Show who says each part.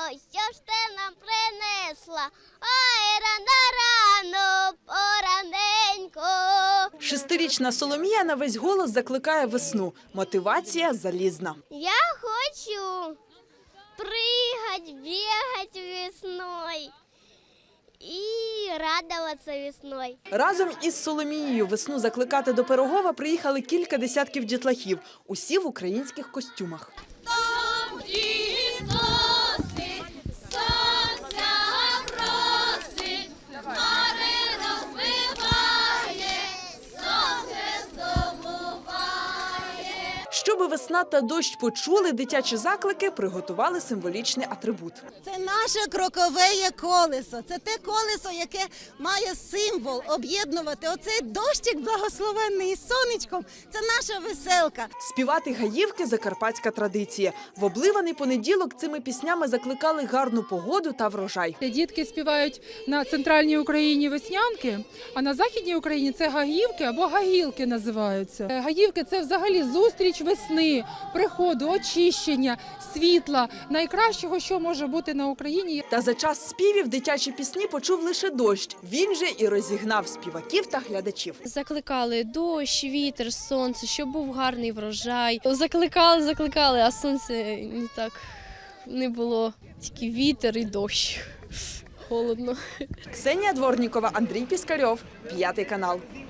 Speaker 1: що ж ти нам принесла? Ой, рано-рано, пораненько.
Speaker 2: Шестирічна Соломія на весь голос закликає весну. Мотивація залізна.
Speaker 1: Я хочу прыгать, бегать весной и радоваться весной.
Speaker 2: Разом із Соломією весну закликати до Пирогова приїхали кілька десятків дітлахів. Усі в українських костюмах. Щоби весна та дощ почули, дитячі заклики приготували символічний атрибут.
Speaker 3: Це наше крокове колесо. Це те колесо, яке має символ об'єднувати. Оцей дощик благословенний із сонечком – це наша веселка.
Speaker 2: Співати гаївки – закарпатська традиція. В обливаний понеділок цими піснями закликали гарну погоду та врожай.
Speaker 4: Дітки співають на центральній Україні веснянки, а на західній Україні це гаївки або гагілки називаються. Гаївки – це взагалі зустріч весни, приходу, очищення, світла, найкращого, що може бути на Україні.
Speaker 2: Та за час співів дитячі пісні почув лише дощ. Він же і розігнав співаків та глядачів.
Speaker 5: Закликали дощ, вітер, сонце, щоб був гарний врожай. Закликали, а сонце не так не було. Тільки вітер і дощ. Холодно.
Speaker 2: Ксенія Дворнікова, Андрій Піскарьов, 5 канал.